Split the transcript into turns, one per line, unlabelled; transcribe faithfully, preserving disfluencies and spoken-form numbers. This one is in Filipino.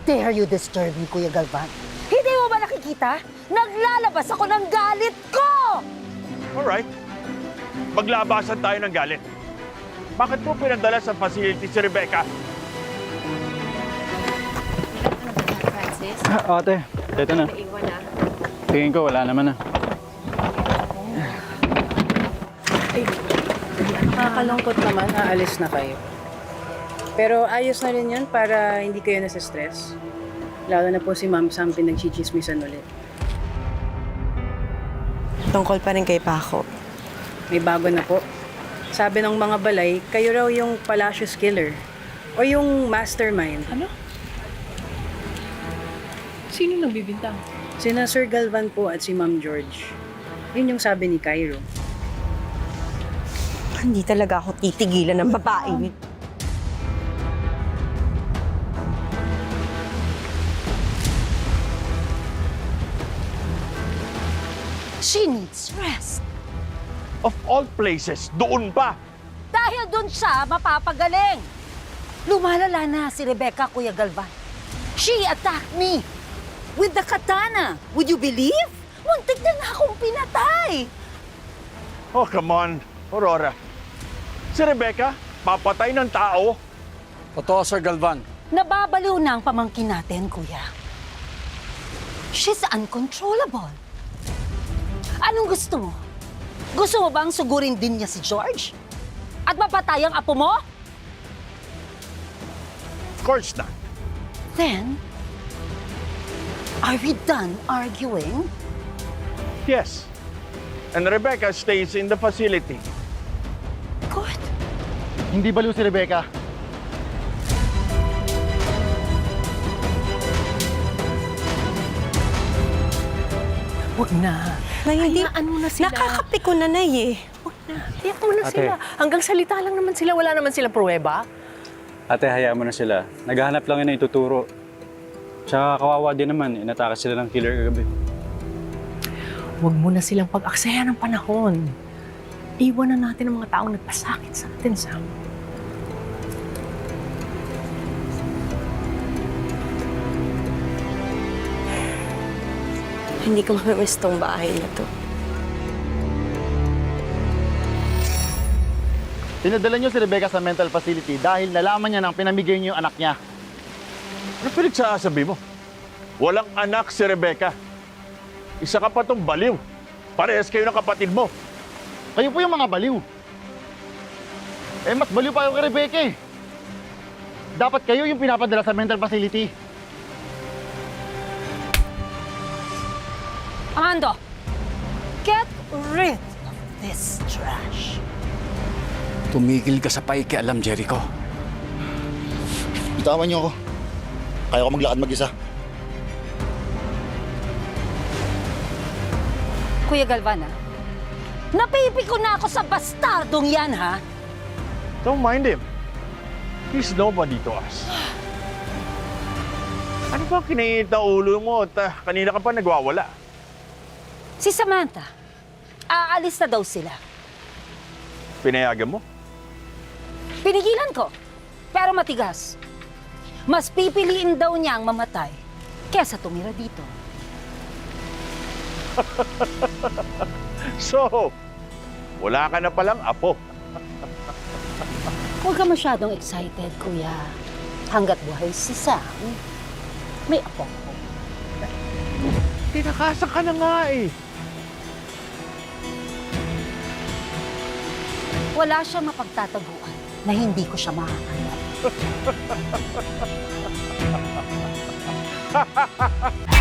dare you disturb me, Kuya Galvan? Hindi mo ba nakikita? Naglalabas ako ng galit ko!
Alright. Maglabasan tayo ng galit. Bakit mo pinadala sa facility si Rebecca?
Francis,
Ah, ate, ito na.
naiwan na.
Tingin ko, wala naman na.
Nakakalungkot naman, aalis na kayo. Pero ayos na rin yun para hindi kayo nasa-stress. Lalo na po si Ma'am Sam pinagchichismisan ulit.
Tungkol pa rin kay Paco.
May bago na po. Sabi ng mga balay, kayo raw yung Palacios Killer. O yung mastermind.
Ano? Sino nagbibintang?
Sina Sir Galvan po at si Ma'am George. Yun yung sabi ni Cairo.
Hindi talaga ako titigilan ng babae.
She needs rest.
Of all places, doon pa!
Dahil doon siya mapapagaling. Lumalala na si Rebecca, Kuya Galvan. She attacked me with the katana. Would you believe? Muntik na na akong pinatay.
Oh, come on, Aurora. Si Rebecca, papatay ng tao.
Totoo, Sir Galvan.
Nababaliw na ang pamangkin natin, Kuya. She's uncontrollable. Anong gusto mo? Gusto mo bang sugurin din niya si George? At mapatay ang apo mo?
Of course not.
Then, are we done arguing?
Yes. And Rebecca stays in the facility.
Good.
Hindi baliw si Rebecca.
Huwag na.
Nay, hindi.
Hayaan mo na sila.
Nakakapiko na, Nay eh.
Huwag na. Hayaan mo na
Ate.
sila. Hanggang salita lang naman sila. Wala naman silang pruweba.
Ate, hayaan mo na sila. Naghahanap lang yun na ituturo. Tsaka kawawa din naman, inatake sila ng killer kagabi.
Huwag mo na silang pag-aksaya ng panahon. Iwan na natin ang mga taong nagpasakit sa atin, Sam.
Hindi ko mamimiss tong bahay na to.
Dinadala niyo si Rebecca sa mental facility dahil nalaman niya nang pinamigay niyo yung anak niya.
Ano pinagsasabi mo? Walang anak si Rebecca. Isa ka pa tong baliw. Parehas kayo ng kapatid mo.
Kayo po yung mga baliw. Eh, mas baliw pa yung kay Rebecca eh. Dapat kayo yung pinapadala sa mental facility.
Amando, get rid of this trash.
Tumigil ka sa paikialam, Jericho.
Bitawan niyo ako. Kaya ko maglakad mag-isa.
Kuya Galvan, ha? Napipiko na ako sa bastardong yan, ha?
Don't mind him. He's nobody to us. Ano ba kinainit na ulo mo at ah, kanina ka pa nagwawala?
Si Samantha, aalis na daw sila.
Pinayagan mo?
Pinigilan ko, pero matigas. Mas pipiliin daw niya ang mamatay kesa tumira dito.
So, wala ka na palang apo.
Huwag ka masyadong excited, Kuya. Hanggat buhay si Sam, may apo ko.
Tinakasan ka na nga eh.
Wala siya mapagtataguan na hindi ko siya mahahanap.